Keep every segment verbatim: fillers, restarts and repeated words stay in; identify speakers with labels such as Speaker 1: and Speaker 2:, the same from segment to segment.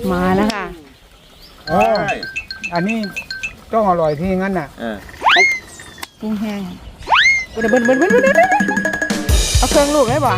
Speaker 1: มาแล้วค่ะ
Speaker 2: โอ้อันนี้ต้องอร่อยที่งั้นน่ะ
Speaker 1: กุ้งแห้งเบิ้ลเบิ้ลเบิ้ลเบิ้ลเบิ้ลเอาเครื่องลูกได้บ่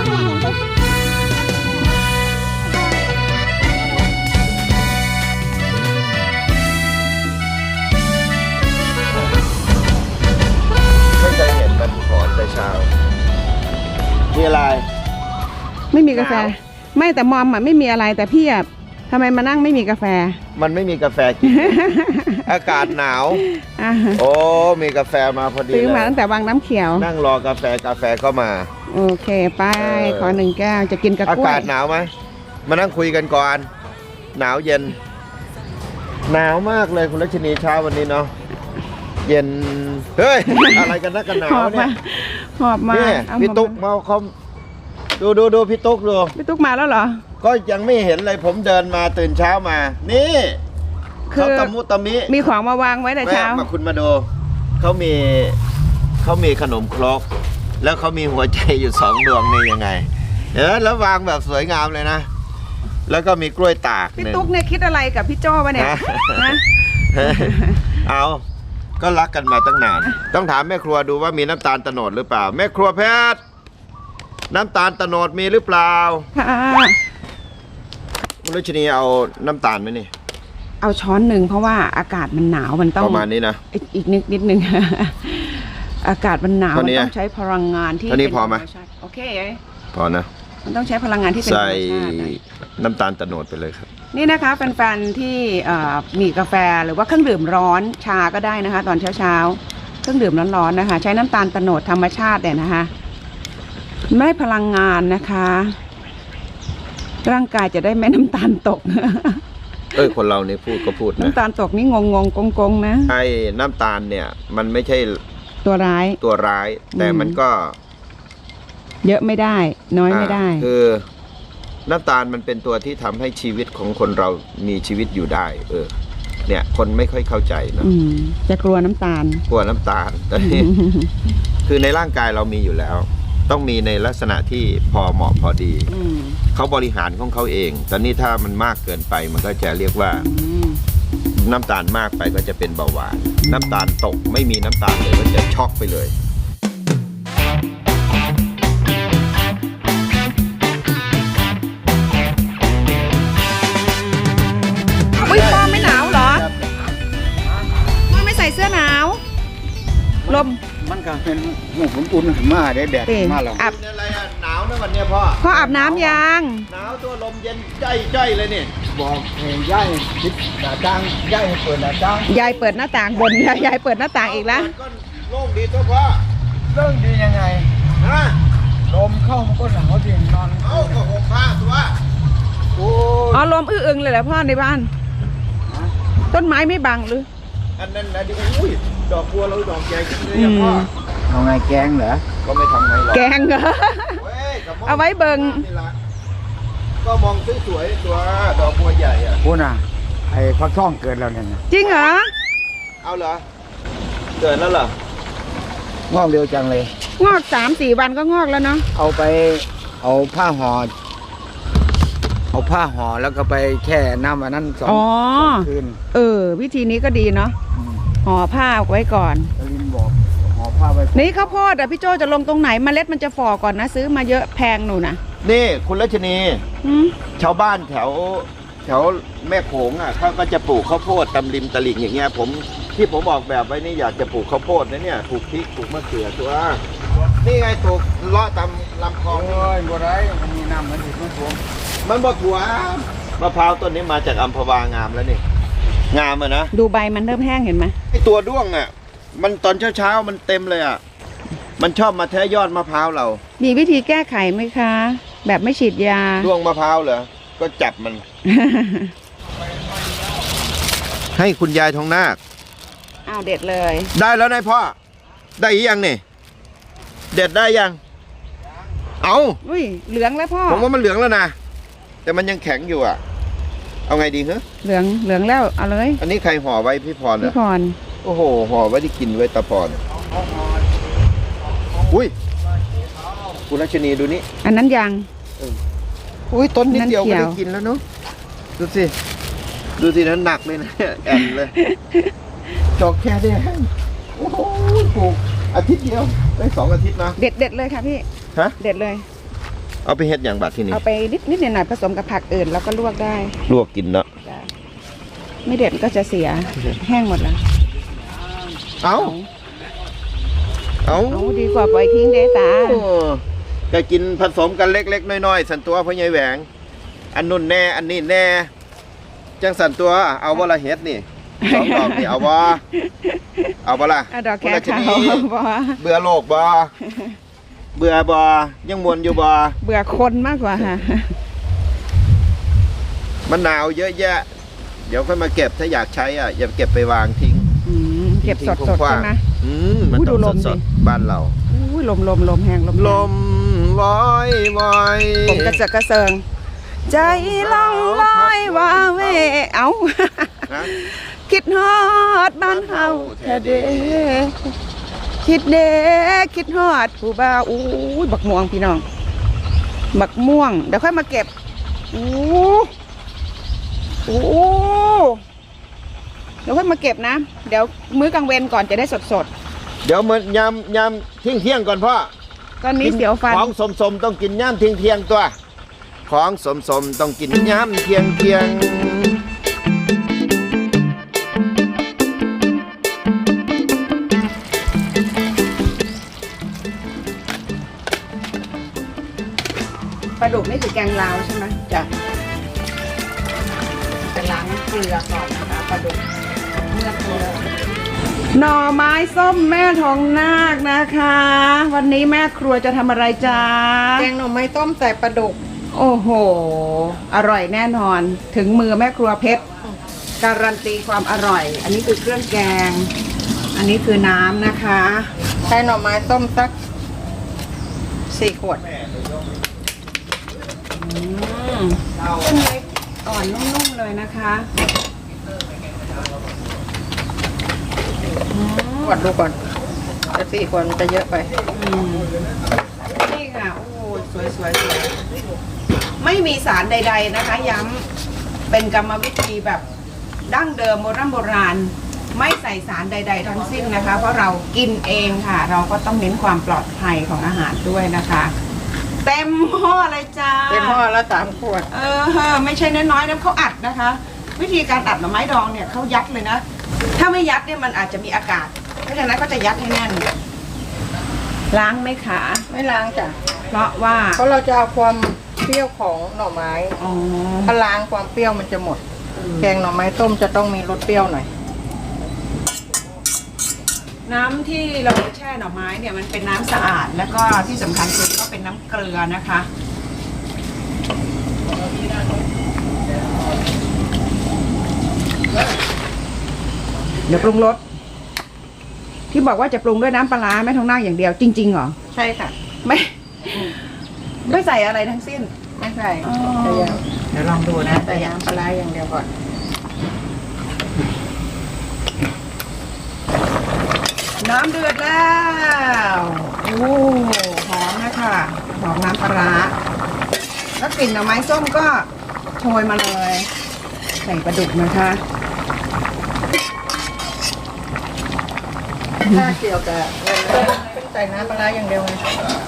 Speaker 3: ไม่เคยเห็นมันถอนแต่เช้ามีอะไร
Speaker 1: ไม่มีกาแฟไม่แต่มอมอ่ะไม่มีอะไรแต่พี่อ่ะทำไมมานั่งไม่มีกาแฟ
Speaker 3: มันไม่มีกาแฟกิน อากาศหนาวโอ้มีกาแฟมาพอดี
Speaker 1: ซื้อมาตั้งแต่วังน้ำเขียว
Speaker 3: นั่งรอกาแฟกาแฟก็มา
Speaker 1: โอเคไปขอหนึ่งแก้วจะกินกับกล้วย
Speaker 3: อากาศหนาวไหมมานั่งคุยกันก่อนหนาวเย็นหนาวมากเลยคุณรัชนีเช้าวันนี้เนาะเย็นเฮ้ยอะไรกันนักกันหนาวเนี่ย
Speaker 1: หอบมา
Speaker 3: พี่ตุ๊กมาเขาดูดูดูพี่ตุ๊กดู
Speaker 1: พี่ตุ๊กมาแล้วเหรอ
Speaker 3: ก็ยังไม่เห็นเลยผมเดินมาตื่นเช้ามานี่เขาตะมุตะมิ
Speaker 1: มีของมาวางไว้แต่เช้า
Speaker 3: มาคุณมาดูเขามีเขามีขนมครกแล้วเขามีหัวใจอยู่สองดวงนี่ยังไงเออแล้ววางแบบสวยงามเลยนะแล้วก็มีกล้วยตาก
Speaker 1: พี่ตุ๊กเนี่ยคิดอะไรกับพี่โจ้วะเนี่ยนะ
Speaker 3: เอาก็รักกันมาตั้งนานต้องถามแม่ครัวดูว่ามีน้ำตาลตะโนดหรือเปล่าแม่ครัวแพทย์น้ำตาลตะโนดมีหรือเปล่า
Speaker 1: ค่ะ
Speaker 3: คุณรัชนีเอาน้ำตาลไหมนี่
Speaker 1: เอาช้อนหนึ่งเพราะว่าอากาศมันหนาวมันต้อง
Speaker 3: ประมาณนี้นะ
Speaker 1: อีกนิดนิดนึงอากาศมันหนาวมันต้องใช้พลังงานที่
Speaker 3: เป็นธรรมชาติ
Speaker 1: โอเค
Speaker 3: พอนะ
Speaker 1: มันต้องใช้พลังงานที่เป็นธรรมชาติ
Speaker 3: ใส่น้ำตาลตะโนดไปเลยครับ
Speaker 1: นี่นะคะแฟนๆที่มีกาแฟหรือว่าเครื่องดื่มร้อนชาก็ได้นะคะตอนเช้าๆเครื่องดื่มร้อนๆนะคะใช้น้ำตาลตะโนดธรรมชาติเนี่ยนะคะไม่ได้พลังงานนะคะร่างกายจะได้ไม่น้ำตาลตก
Speaker 3: เออคนเราเนี่ยพูดก็พูดนะ
Speaker 1: น้ำตาลตกนี่งงงกงกงนะ
Speaker 3: ไอ้น้ำตาลเนี่ยมันไม่ใช่
Speaker 1: ตัวร้าย
Speaker 3: ตัวร้ายแต่มันก็
Speaker 1: เยอะไม่ได้น้อยไม่ได้
Speaker 3: คือน้ำตาลมันเป็นตัวที่ทำให้ชีวิตของคนเรามีชีวิตอยู่ได้เออเนี่ยคนไม่ค่อยเข้าใจนะ
Speaker 1: จะกลัวน้ำตาล
Speaker 3: กลัวน้ำตาลแต่คือในร่างกายเรามีอยู่แล้วต้องมีในลักษณะที่พอเหมาะพอดีเขาบริหารของเขาเองแต่นี่ถ้ามันมากเกินไปมันก็จะเรียกว่าน้ำตาลมากไปก็จะเป็นเบาหวานน้ำตาลตกไม่มีน้ำตาลเลยก็จะช็อกไปเลย
Speaker 1: อุ้ยพ่อไม่หนาวเหรอพ่อไม่ใส่เสื้อหนาวลม
Speaker 2: มันก็เป็นหมูผมอุ่นมาได้แดดมาแล้ว
Speaker 3: อาบอะไรอ่ะหนาวนะวันนี้พ่อ
Speaker 1: พ่ออาบน้ำยัง
Speaker 3: หนาวตัวลมเย็นใจใจเลยนี่
Speaker 2: บอกเฮ้ยย่ายปิดหน้าต่างย่ายให้เปิดหน้าต่าง
Speaker 1: ยายเปิดหน้าต่างบนยายเปิดหน้าต่างอีกแล้ว
Speaker 3: ก็โล่งดีตัวพ่อ
Speaker 2: โล่งดียังไง
Speaker 3: ฮะ
Speaker 2: ลมเข้ามันก็หนาวจริงนอน
Speaker 3: เอ้าก็ห่มผ้าตัว
Speaker 1: โอ้อ๋อลมอื้ออึงเลยแหละพ่อในบ้านต้นไม้ไม่บังหรือ
Speaker 3: อันนั้นนะดิอุ้ยดอกบัวเราดอกใหญ่จังเลยพ่อ
Speaker 2: เอาไงแกงเหรอ
Speaker 3: ก็ไม่ทำไงหรอก
Speaker 1: แกงเหรอเอาไว้เบิ่ง
Speaker 3: ก็มองสวยๆตัวดอกบัวใหญ่อ่ะ
Speaker 2: พูดน่ะไอ้ฟักทองเกิดแล้วเนี่ย
Speaker 1: จริงเหรอ
Speaker 3: เอาเหรอเกิดแล้วเหร
Speaker 2: องอกเร็วจังเลย
Speaker 1: งอกสามสี่วันก็งอกแล้วเนาะ
Speaker 2: เอาไปเอาผ้าห่อเอาผ้าห่อแล้วก็ไปแช่น้ำอันนั้นสองคืน
Speaker 1: เออวิธีนี้ก็ดีเนาะห่อผ้าไว้ก่อน
Speaker 2: ลินบอกห่อผ้าไว้
Speaker 1: นี่ข้าวโพดอ่ะพี่โจจะลงตรงไหนเมล็ดมันจะฝ่อก่อนนะซื้อมาเยอะแพงหนูนะ
Speaker 3: นี่คุณรัชนีชาวบ้านแถวแถวแม่โขงอ่ะเขาก็จะปลูกข้าวโพดตำริมตลิ่งอย่างเงี้ยผมที่ผมออกแบบไว้นี่อยากจะปลูกข้าวโพดนะเนี่ยปลูกพริกปลูกมะเขือตัวนี่ไงปลูกเลาะตามลำคลอง
Speaker 2: โอ้ยบัวไรมันมีน้ำมันถึงมันท่วม
Speaker 3: มันบ่ถั่วมะพร้าวต้นนี้มาจากอัมพวางามแล้วนี่งามอะนะ
Speaker 1: ดูใบมันเริ่มแห้งเห็นไหม
Speaker 3: ไอตัวด้วงอ่ะมันตอนเช้าๆมันเต็มเลยอ่ะมันชอบมาแทะยอดมะพร้าวเรา
Speaker 1: มีวิธีแก้ไขไหมคะแบบไม่ฉีดยา
Speaker 3: ด้วงมะพร้าวเหรอก็จับมัน ให้คุณยายทองนาค
Speaker 1: อ้าวเด็ดเลย
Speaker 3: ได้แล้วนายพ่อได้ยังนี่เด็ดได้ยังเอา
Speaker 1: อุ้ยเหลืองแล้วพ่อ
Speaker 3: ผมว่ามันเหลืองแล้วนะแต่มันยังแข็งอยู่อ่ะเอาไงดีเหรอ
Speaker 1: เหลืองเหลืองแล้วเอาเลย
Speaker 3: อันนี้ใครห่อไว้พี่พรเหรอ
Speaker 1: พี่พร
Speaker 3: โอ้โหห่อไว้ที่กินไว้ตาพรอุ้ยคุณรัชนีดูนี่
Speaker 1: อันนั้นยัง
Speaker 3: อุ้ยต้นนิดเดียวก็ได้กินแล้วเนาะดูสิดูสินั้นหนักเลยนะแอนเลยจอกแค่ได้โอ้โหปลูกอาทิตย์เดียวได้สองอาทิตย์นะ
Speaker 1: เด็ดเด็ดเลยค่ะพี่
Speaker 3: ฮะ
Speaker 1: เด็ดเลย
Speaker 3: เอาไปเฮ็ดอย่างบัดที่นี่
Speaker 1: เอาไปนิดนิดหน่อยๆผสมกับผักอื่นแล้วก็ลวกได้
Speaker 3: ลวกกินเนาะ
Speaker 1: จ้ะไม่เด็ดก็จะเสียแห้งหมดแล้ว
Speaker 3: เอาเอา
Speaker 1: เอาดีกว่าปล่อยทิ้งเด้ตา
Speaker 3: โอ้ก็กินผสมกันเล็กๆน้อยๆสันตัวพ่อใหญ่แหวง อันนุ่นแน่อันนี้แน่จังสันตัวเอาบ่ละเฮ็ดนี่สองดอกนี่เอาบ่เอาบ่ล่ะ
Speaker 1: อะดอกแค
Speaker 3: คนละช
Speaker 1: ขาว
Speaker 3: นิด
Speaker 1: บ่
Speaker 3: เบื่อโลกบ่เบื่อบ่ยังมวนอยู่บ่
Speaker 1: เบื่อคนมากกว่าค่ะ
Speaker 3: มันหนาวเยอะแยะ เดี๋ยวค่อยมาเก็บถ้าอยากใช้อ่ะอย่าเก็บไปวางทิ้ง
Speaker 1: อืมเก็บสด
Speaker 3: ทิ้ง
Speaker 1: สด
Speaker 3: กว้า
Speaker 1: ใช่
Speaker 3: ง
Speaker 1: ไหม
Speaker 3: ๆอืมมัน
Speaker 1: อุ้ย
Speaker 3: ต้อง
Speaker 1: ดูลม
Speaker 3: ส
Speaker 1: ดิ
Speaker 3: ดๆบ้านเรา
Speaker 1: อุ้ยลมลมลมแห้งลมแห้ง
Speaker 3: ลมวอยวอย
Speaker 1: ผมกระเจิดกระเซิง ใจล่องลอยว่าเวเอา
Speaker 3: นะ
Speaker 1: คิดฮอดบ้านเฮาแท้เด้คิดเด้คิดฮอดผู้บ่าวอู้ยบักม่วงพี่น้อง บักม่วง เดี๋ยวค่อยมาเก็บอู้อู้เดี๋ยวค่อยมาเก็บนะ เดี๋ยวมื้อกลางเวรก่อนจะได้สดสด
Speaker 3: เดี๋ยวมันยำยำเที่ยงเที่ยงๆก่อนพ่อ
Speaker 1: ๆตอนนี้เสียวฟัน
Speaker 3: ของสมสมๆต้องกินย่ำเที่ยงเที่ยงๆตัว ของสมสมๆต้องกินย่ำเที่ยงเที่ยงๆ
Speaker 1: ปลาดุกนี่คือแกงลาวใช่ไหมจ้ะจะล้างเกลือก่อนนะคะปลาดุกเมื่อเกลือหน่อไม้ส้มแม่ทองนาคนะคะ วันนี้แม่ครัวจะทำอะไรจ๊ะ
Speaker 4: แกงหน่อไม้ต้มใส่ปลาดุก
Speaker 1: โอ้โห อร่อยแน่นอน ถึงมือแม่ครัวเพชร การันตีความอร่อย อันนี้คือเครื่องแกง อันนี้คือน้ำนะคะ
Speaker 4: ใช้หน่อไม้ต้มสักสี่ขวด
Speaker 1: อืมเส้นเล็กอ่อนนุ่มๆเลยนะคะ
Speaker 4: ขวดดูก่อนจะสี่ขวดมันจะเยอะไป
Speaker 1: อืมนี่ค่ะ โอ้สวยสวยสวยไม่มีสารใด ๆนะคะ ย้ำเป็นกรรมวิธีแบบดั้งเดิมโบราณโบราณ ไม่ใส่สารใด ๆ ทั้งสิ้นนะคะ เพราะเรากินเองค่ะ เราก็ต้องเน้นความปลอดภัยของอาหารด้วยนะคะ เต็มหม้อเลยจ้า
Speaker 4: เต็มหม้อละสามขวด
Speaker 1: เออไม่ใช่น้อยๆนะเขาอัดนะคะ วิธีการอัดหน่อไม้ดองเนี่ยเขายัดเลยนะ ถ้าไม่ยัดเนี่ยมันอาจจะมีอากาศ เพราะฉะนั้นก็จะยัดให้แน่น ล้างไหมคะ
Speaker 4: ไม่ล้างจ้ะ
Speaker 1: เพราะว่า
Speaker 4: เพราะเราจะเอาความเปรี้ยวของหน่อไม้
Speaker 1: อ๋อ
Speaker 4: ถ้าล้างความเปรี้ยวมันจะหมด แกงหน่อไม้ต้มจะต้องมีรสเปรี้ยวหน่อย
Speaker 1: น้ำที่เราแช่หน่อไม้เนี่ยมันเป็นน้ำสะอาด แล้วก็ที่สำคัญคือก็เป็นน้ำเกลือนะคะ เดี๋ยวปรุงรสที่บอกว่าจะปรุงด้วยน้ำปลาร้าไม่ท้องหน้าอย่างเดียวจริงๆเหรอ
Speaker 4: ใช่ค่ะ
Speaker 1: ไม่ไม่ใส่อะไรทั้งสิ้น
Speaker 4: ไม่ใส่
Speaker 1: อ๋อ
Speaker 4: แต่ยัง
Speaker 1: เดี๋ยวลองดูนะ
Speaker 4: แต่ยางปลาร้าอย่างเดียวก่อน
Speaker 1: น้ำเดือดแล้วโอ้หอมนะคะหอมน้ำปลาร้าแล้วกลิ่นหน่อไม้ส้มก็โชยมาเลย ใส่ปลาดุกนะคะ
Speaker 4: ถ้าเกี่ยวกับเงินเป็นใส่น้ำปลาร้าอย่างเดียวเลย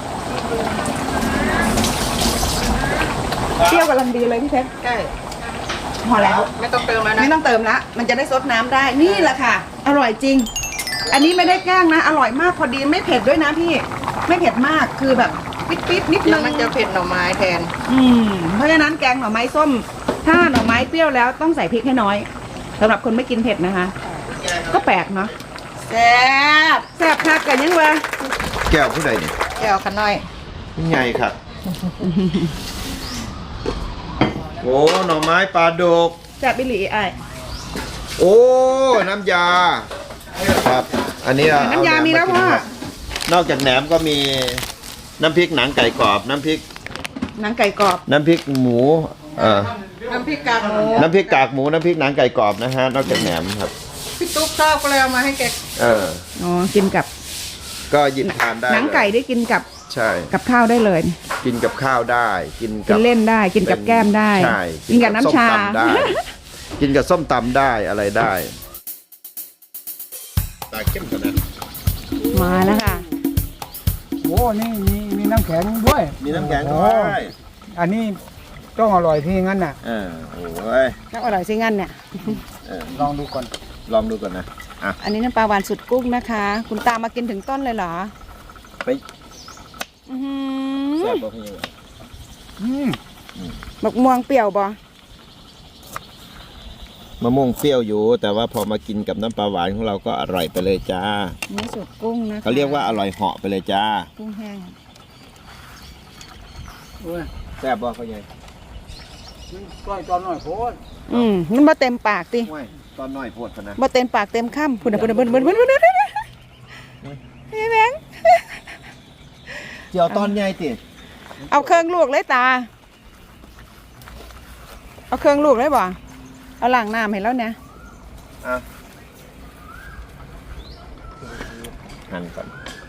Speaker 1: เปรี้ยวกำลังดีเลยพี่เพชร
Speaker 4: ใกล้
Speaker 1: พอแล้ว
Speaker 4: ไม่ต้องเติมแล้วนะ
Speaker 1: ไม่ต้องเติมละมันจะได้ซดน้ำได้นี่แหละค่ะ อร่อยจริง อันนี้ไม่ได้แกล้งนะ อร่อยมากพอดีไม่เผ็ดด้วยนะพี่ ไม่เผ็ดมากคือแบบปิดๆนิด
Speaker 4: แล้
Speaker 1: นึ
Speaker 4: ว
Speaker 1: ง
Speaker 4: มันจะเผ็ดหน่อไม้แทน
Speaker 1: อืมเพราะฉะนั้นแกงหน่อไม้ส้ม ถ้าหน่อไม้เปรี้ยวแล้วต้องใส่พริกให้น้อยสำหรับคนไม่กินเผ็ดนะคะ ก็แปลกเนาะ
Speaker 4: แซ่บ
Speaker 1: แซ่บคักกันยังวะ
Speaker 3: แก้วผู้ใดเนี่ย
Speaker 4: แก้วขน้อย
Speaker 3: ใหญ่ครับ โอ้หน่อไม้ปลาดุก
Speaker 1: แซ่บบิลีไอ้าย
Speaker 3: โอ้น้ำยาครับ อันนี้เอ
Speaker 1: น้ำยา
Speaker 3: เอห
Speaker 1: มีแล้ว
Speaker 3: กิน
Speaker 1: พ่อ
Speaker 3: ครับนอกจากแหนมก็มีน้ำพริกหนังไก่กรอบ น้ำพริก
Speaker 1: หนังไก่กรอบ
Speaker 3: น้ำพริกหมูเอ่อ
Speaker 4: น้ำพริกกากหมู
Speaker 3: น้ำพริกกากหมูน้ำพริกหนังไก่กรอบนะฮะนอกจากแหนมครับ
Speaker 4: พี่ตุ๊กชอบก็เลยเอามาให้แก
Speaker 3: เออ
Speaker 1: อ๋อกินกับ
Speaker 3: ก็หยิบทานได้
Speaker 1: หนังไก่
Speaker 3: เลย
Speaker 1: ได้กินกับ
Speaker 3: ใช่
Speaker 1: กับข้าวได้เลย
Speaker 3: กินกับข้าวได้ กิน
Speaker 1: กิ
Speaker 3: กับ
Speaker 1: นเล่นได้กินกับแก้มได้
Speaker 3: ใช่
Speaker 1: กินกับน้ำชา
Speaker 3: ส้มตำได้กินกับส้มตำได้อะไรได้ตาเข้มขนาด
Speaker 1: มาแล้วค่ะ
Speaker 2: โอ้นี่มีมีน้ำแข็งด้วย
Speaker 3: มีน้ำแข็งด้วย
Speaker 2: อันนี้ต้องอร่อยที่งั้นน่ะ
Speaker 3: เออโอ้ย
Speaker 1: น้ำอร่อยซิงั้นเนี่ย
Speaker 3: เออ
Speaker 2: ลองดูก่อน
Speaker 3: ลองดูก่อนนะอ่ะ
Speaker 1: อันนี้น้ำปลาหวานสุดกุ้งนะคะ คุณตามมากินถึงต้นเลยเหรอ
Speaker 3: ไป
Speaker 1: อื้อหื
Speaker 3: แซ่
Speaker 1: อบ
Speaker 3: บ่พี่ยัง
Speaker 2: อืม
Speaker 1: บักม่วงเปรี้ยวบ่
Speaker 3: มะม่วงเปรี้ยวอยู่ แต่ว่าพอมากินกับน้ำปลาหวานของเราก็อร่อยไปเลยจ้า
Speaker 1: นี่สุดกุ้งนะคะ
Speaker 3: เขาเรียกว่าอร่อยเหาะไปเลยจ้า
Speaker 1: กุ้งแห้ง
Speaker 2: โอ้ย
Speaker 3: แซ่บบ่เขาใหญ่
Speaker 2: ก้อยตอนหน่อยโพด
Speaker 1: อืมมันบ่เต็มปากติ
Speaker 3: ไม่ตอนน้อยโพดพะนะ
Speaker 1: บ่เต็มปากเต็มคำพุ่นน่ะพุ่นน่ะพุ่นน่ะพุ่นน่ะพุ่นน่ะพุ่นน่ะเฮ้ยแบงค์
Speaker 3: เจียวตอนใหญ่ติ
Speaker 1: เอาเครื่องลวกเลยตา เอาเครื่องลวกเลยบ่เอาล้างน้ำให้แล้วเนี่ย
Speaker 3: อ่ะหั่นก่อน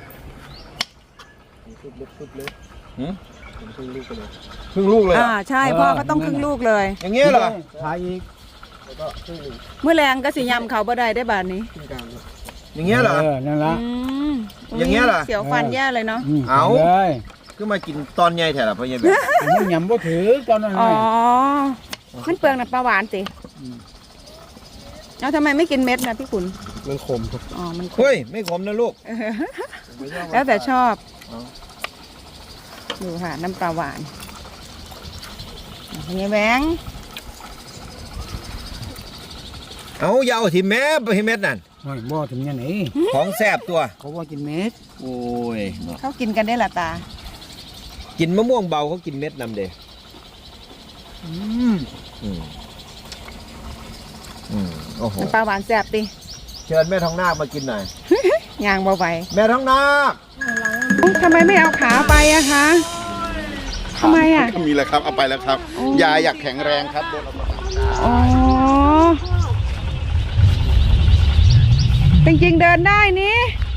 Speaker 3: หืมครึ่งลูกเลยครึ่งลูกเลยเหร
Speaker 1: อ่า
Speaker 3: อ
Speaker 1: ใช่พ่อก็ต้องครึ่งลูกเลย
Speaker 3: อย่างเงี้ยเหรอ
Speaker 2: ทายอีก
Speaker 1: เมื่อแรงก็สิยำเขาบ่ได้ได้บาดนี้
Speaker 3: อย่างเงี้ยเหรอ
Speaker 2: เออนั่นละ
Speaker 1: อืม
Speaker 3: อย่างเงี้ยเหรอ
Speaker 1: เสียวฟันแย่เลยเนาะ
Speaker 2: ม
Speaker 3: เอา
Speaker 2: เลย
Speaker 3: คือมากินตอนใหญ่แถวละพ่อใหญ่แบบ
Speaker 2: อันนี้ยำบ่ถือตอนนั้น
Speaker 1: อ๋อ
Speaker 2: เลย
Speaker 1: มันเปลืองน้ำปลาหวานสิเอาทำไมไม่กินเม็ดนะพี่ขุน
Speaker 2: มันขมครับ
Speaker 1: อ๋อ มันขม
Speaker 3: เฮ้ย ไม่ขมนะลูก
Speaker 1: แล้วแต่ชอบ
Speaker 3: เอา
Speaker 1: ดูค่ะ น้ำปลาหวานเป็นไงแบงค์
Speaker 3: เอาอย่าเอาที่แม่ไปให้เม็ดนั่น
Speaker 2: โอ้ยบ่ถึงยังไง
Speaker 3: ของแซ่บตัว
Speaker 2: เขาว่ากินเม็ด
Speaker 3: โอ้ยเนาะ
Speaker 1: เขากินกันได้ละตา
Speaker 3: กินมะม่วงเบาเขากินเม็ดนำเด้
Speaker 2: อืม
Speaker 3: อืมอืมโอ้โห
Speaker 1: น้ำปลาหวานแซ่บดิ
Speaker 3: เชิญแม่ทองนาคมากินหน่อย
Speaker 1: ยางเบาไหว
Speaker 3: แม่ทองนาค
Speaker 1: ทำไมไม่เอาขาไปอะคะทำไมอะ
Speaker 5: มีแล้วครับ เอาไปแล้วครับ ยายอยากแข็งแรงครับเดินออกมา
Speaker 1: อ๋อ จริงๆเดินได้นี่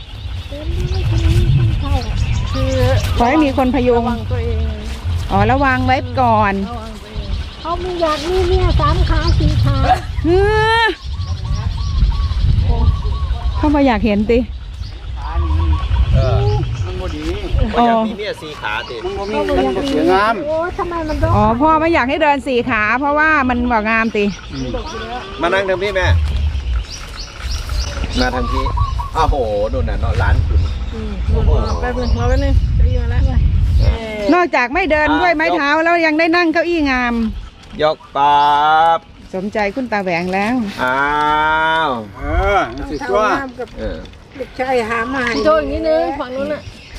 Speaker 1: ขอให้มีคนพยุง
Speaker 4: ตัวเอง
Speaker 1: อ๋อแล้ววางไว้ก่อน
Speaker 6: เขาไม่อยากมีเนี่ยสามขาสี่ขา
Speaker 1: เฮ้อเข้ามาอยากเห็นติ
Speaker 3: เออ
Speaker 2: มันบ่ดี
Speaker 3: บ่อยากมีเมียสีขาติ
Speaker 2: มันบ่มีมันบ่เสียงาม
Speaker 6: โอ้ทำไมมันร้
Speaker 1: อ๋
Speaker 6: อ
Speaker 1: อน พ่อไม่อยากให้เดินสี่ขา เพราะว่ามันบอกงามติ
Speaker 3: มานั่งทางพี่แม่ มาทางพี่อ้าวโหนู่นน่ะเนาะร้านคุณโอ้โห
Speaker 4: แป๊บนึงเราแป๊บนึงจะยิงมาแล้ว
Speaker 1: นอกจากไม่เดินด้วยไม้เท้าแล้วยังได้นั่งเก้าอี้งาม
Speaker 3: ยกปั๊บ
Speaker 1: สมใจคุณตาแหวงแล้ว
Speaker 3: อ้าว
Speaker 2: เออมันสิตัว
Speaker 6: กับ
Speaker 3: เออ
Speaker 6: เด็กชายหามาให้
Speaker 4: โชว์อย่างนี้นึงฝั่งนู้นน่ะ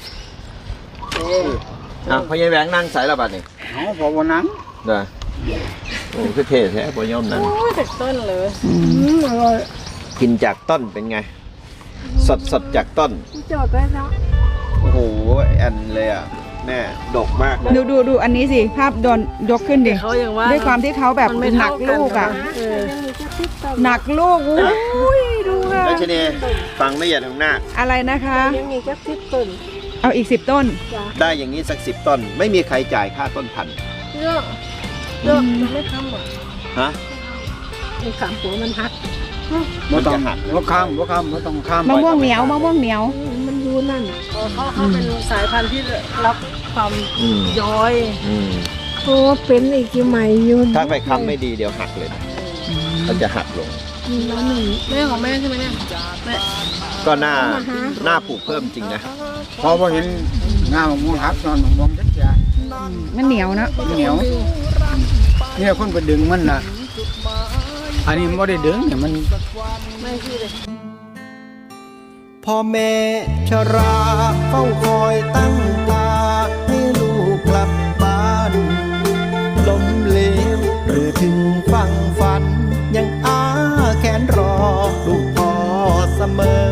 Speaker 3: อ่ะพ่อใหญ่แหวงนั่งใส่ระบาดนี่
Speaker 2: เอาพอวันนั้น
Speaker 3: เด้อโอ้คือเท่แท้พ่อย่อมนั่ง
Speaker 4: โอ้ยเด็กต้นเลย
Speaker 6: อืมอร่อย
Speaker 3: กินจากต้นเป็นไง สดสดจากต้น
Speaker 6: จอดไว้แล้ว
Speaker 3: โอ้โหแอนเลยอ่ะ แม่ดกมากเลย
Speaker 1: ดูดูดูอันนี้สิ ภาพโดนยกขึ้นดิ
Speaker 4: เขาอย่างว่า
Speaker 1: ด้วยความที่เขาแบบ
Speaker 4: มันไม่
Speaker 1: หนั
Speaker 4: เท่าก กัน
Speaker 1: ลูกอ่ะ
Speaker 4: เออ
Speaker 6: ยังมีแค่สิบต้น
Speaker 1: หนักลูกอุ้ยดูค่ะ
Speaker 3: แล้วชนีฟังไม่เหยียดทางหน้า
Speaker 1: อะไรนะคะ
Speaker 6: ยังมีแค่สิบต้น
Speaker 1: เอาอีกสิบต้น
Speaker 6: จ้ะ
Speaker 3: ได้อย่างนี้สักสิบต้น ไม่มีใครจ่ายค่าต้นพันธุ์
Speaker 4: เยอะเยอะมันไม่ทำอ่ะ
Speaker 3: ฮะ
Speaker 6: ไอ้ขามหัวมันหัก
Speaker 3: มันจะหัก
Speaker 2: บ่ข้ามบ่ข้ามบ่ต้องข้าม
Speaker 1: มะม่วงเหนียวมะม่วงเหนียว
Speaker 6: อืมมันอยู่นั่น
Speaker 4: เขาเขาเป็นสายพันธุ์ที่รับความ
Speaker 3: อืม
Speaker 4: ย้อย
Speaker 3: อืม
Speaker 6: โอ้เป็นอีกที่ใหม่อยู่
Speaker 3: ถ้าไปค้ำไม่ดีเดี๋ยวหักเลยนะมันจะหักลง
Speaker 6: แล้วหนึ่ง
Speaker 4: แม่ของแม่ใช่ไหมเนี่ยแม่
Speaker 3: ก็น่าน่าปลูกเพิ่มจริงนะ
Speaker 2: พอบ่เห็นงามมะม่วงหักนอนมะม่วงจักอย่าง
Speaker 1: มันเหนียวเนอะ
Speaker 2: เหนียวเนี่ยคนไปดึงมันน่ะ อันนี้มันบ่ได้ดึงเนี่ยมัน
Speaker 4: ไม่คือเลย
Speaker 7: พ่อแม่ชราเฝ้าคอยตั้งตาให้ลูกกลับบ้านล้มเหลวหรือถึงฟังฝัน ยังอ้าแขนรอลูกพ่อเสมอ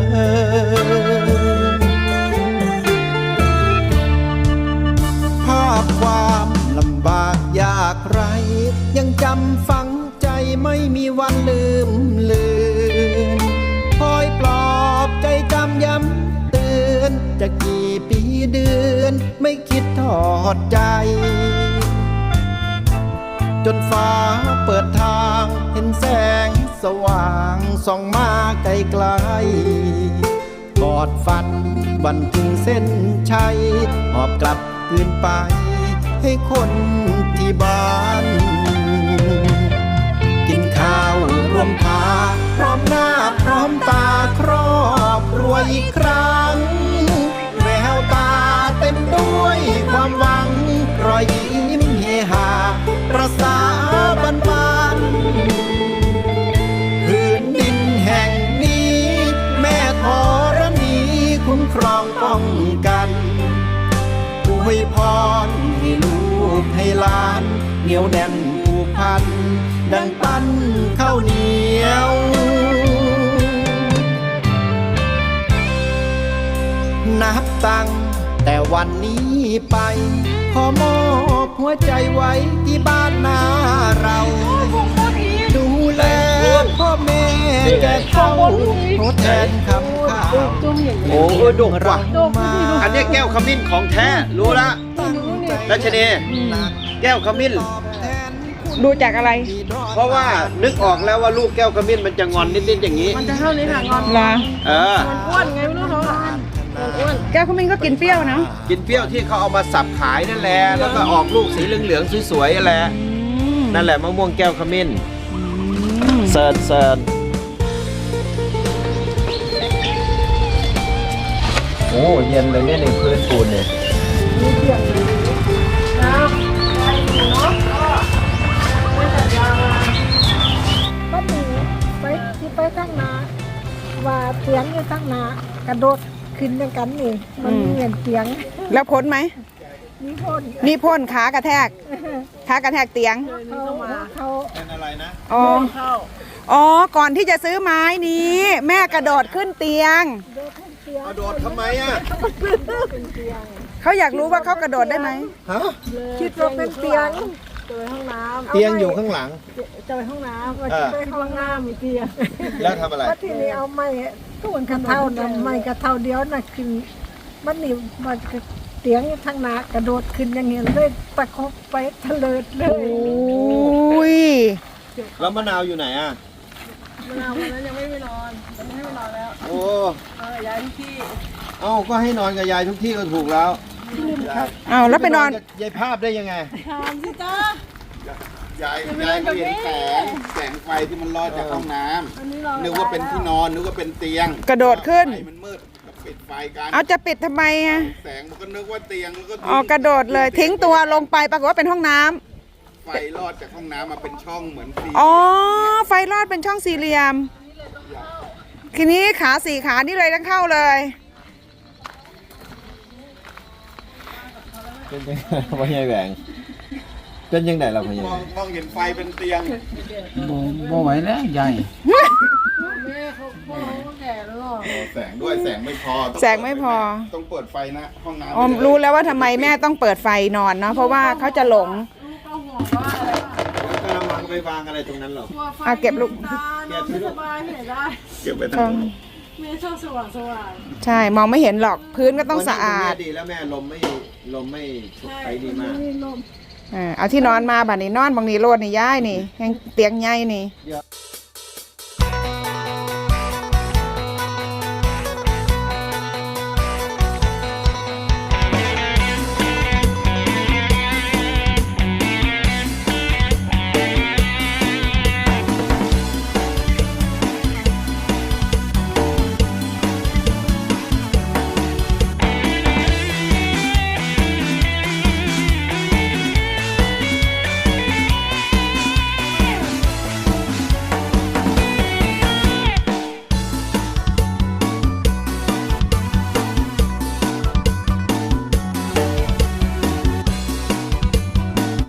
Speaker 7: ภาพความลำบากยากไร ยังจำฝังใจไม่มีวันลืมเลือนคอยปลอบใจจำย้ำเตือนจะกี่ปีเดือนไม่คิดทอดใจ จนฟ้าเปิดทางเห็นแสงสว่างส่องมาไกลไกลกอดฝันวันถึงเส้นชัยหอบกลับคืนไปให้คนที่บ้าน กินข้าวรวมพาพร้อมหน้าพร้อมตาครอบครัวอีกครั้งแววตาเต็มด้วยความหวังรอยยิ้มเฮฮาประสาบันบานพื้นดินแห่งนี้แม่ธรณีคุ้มครองป้องกันอวยพรให้ลูกให้หลานเหนียวแน่นผูกพันดังปั้นข้าวเหนียวนับตั้งแต่วันนี้ไปขอมอบหัวใจไว้ที่บ้านนาเราดูแลพ่อแม่แก่เฒ่าทดแทนคำข้าว
Speaker 3: โอ้โหดกว่ะ
Speaker 7: มา
Speaker 3: อันนี้แก้วขมิ้นของแท้รู้ละ
Speaker 7: ตั้งใจ
Speaker 3: รัชนีแก้วขมิ้น
Speaker 7: ตอบแทนคุณ
Speaker 1: ดูจากอะไร
Speaker 3: เพราะว่านึกออกแล้วว่าลูกแก้วขมิ้นมันจะงอนนิดๆอย่างนี้
Speaker 4: มันจะเท่านี้ค่ะงอน
Speaker 1: เหรอ
Speaker 3: เออ
Speaker 4: มันอ้วนไงไม่รู้เขาอ่ะมันอ้วน
Speaker 1: แก้วขมิ้นก็กินเปรี้ยวนะ
Speaker 3: กินเปรี้ยวที่เขาเอามาสับขายนั่นแหละแล้วก็ออกลูกสีเหลืองๆสวยๆนั่นแหละ
Speaker 1: อืม
Speaker 3: นั่นแหละมะม่วงแก้วขมิ้น
Speaker 1: อืม
Speaker 3: เซิร์นเซิร์นโอ้เย็นเลยเนี่ยในพื้นปูนเนี่ย
Speaker 6: ก็หนีไปที่ไปข้างหน้าว่าเตียงอยู่ข้างหน้ากระโดดขึ้นด้วยกันนี่มันมีเหมือนเตียง
Speaker 1: แล้วพ้นไหม
Speaker 6: มีพ่น
Speaker 1: มีพ่นขากระแทก ขากระแทกเตียง
Speaker 6: เขาเขา
Speaker 3: เป็นอะไรนะ
Speaker 1: อ๋อ อ๋อ ก่อนที่จะซื้อไม้นี้ แม่กระโดดขึ้นเตียง
Speaker 6: โดดขึ้นเตียง
Speaker 3: กระโดดทำไมอ่ะ
Speaker 6: เป็นเตียง
Speaker 1: เขาอยากรู้ว่าเขากระโดดได้ไหม
Speaker 3: ฮะ
Speaker 6: คิดว่าเป็นเตียง
Speaker 4: เจอห้องน้
Speaker 3: เตียงอยู่ข้างหลัง
Speaker 6: เจอห้องน้ำว่า
Speaker 3: เออ
Speaker 6: จะไปห้องน้ำมีเตียง
Speaker 3: แล้วทำอะไร
Speaker 6: ว่าที่นี่เอาไม้ต้นกระเท่านะไม้กระเท่าเดียวน่ะขึ้นมันนี่มันเตียงอยู่ทางหน้ากระโดดขึ้นอย่างเงี้ยเลยตะคบไปทะเลิดเล
Speaker 1: โอย ้ย
Speaker 3: แล้วมะนาวอยู่ไหนอ่ะ
Speaker 4: ำมะนาววันนั้นยังไม่ไปนอนตอนนี้ให้ไปนอนแล้ว
Speaker 3: โอ้
Speaker 4: เออย้ายที่ที่
Speaker 3: เอ้าก็ให้นอนกับยายทุกที่ก็ถูกแล้ว
Speaker 1: เอาแล้วไปนอน
Speaker 3: กับยายภาพได้ยังไง
Speaker 4: ถามสิจ้าย
Speaker 5: ายยายเขาเห็นแสงแสงไฟที่มันลอดจากห้องน้
Speaker 4: อันนี้เรา
Speaker 5: ำนึกว่าเป็นที่นอนนึกว่าเป็นเตียง
Speaker 1: กระโดดขึ้น
Speaker 5: ไฟมันมืดก็ปิดไฟกัน
Speaker 1: เอาจะปิดทำไมอะ
Speaker 5: แสงมันก็นึกว่าเตียงแล้วก็
Speaker 1: อ๋อกระโดดเลย ทิ้งตัวลงไปปรากฏว่าเป็นห้องน้ำ
Speaker 5: ไฟลอดจากห้องน้ำมาเป็นช่องเหมือนสี่
Speaker 1: อ๋อ ไฟลอดเป็นช่องสี่เหลี่ยม ทีนี้ขาสี่ขานี่เลยต้องเข้าเลย
Speaker 3: เป็นยังไงพ่อใหญ่แหวงเป็นยังไงเราพ่อใหญ่
Speaker 5: มองมองเห็นไฟเป็นเตียง
Speaker 2: บ่ไหวแล้วใหญ่
Speaker 4: แม่เขาพ่อเขาแก่แล้วหรอ
Speaker 5: แสงด้วยแสงไม่พอต้อง
Speaker 1: แสงไม่พอ
Speaker 5: ต้องเปิดไฟนะห้องน้ำ
Speaker 1: อ๋อรู้แล้วว่าทำไมแม่ต้องเปิดไฟนอนเนาะ เพราะว่าเขาจะหลง
Speaker 4: ลูกก็ห่วงว่าอะไร
Speaker 3: กระมังไปวางอะไรตรงนั้นหรอ
Speaker 4: กลัวไฟ
Speaker 1: อ่ะเก็บลูก
Speaker 4: ตานอนไม่สบายที่ไหนได้
Speaker 5: เก็บไว้ทั้งหมด
Speaker 4: แม่ชอบสว่างสว่าง
Speaker 1: ใช่ มองไม่เห็นหรอก พื้นก็ต้องสะอาด
Speaker 3: ดีแล้วแม่ลมไม่ลมไม่ไปดีมาก
Speaker 6: มีลม
Speaker 1: เออเอาที่นอนมาบัดนี้นอนบางนี้โลดนี่ย้ายนี่ยังเตียงใหญ่นี่
Speaker 3: เดี๋ยว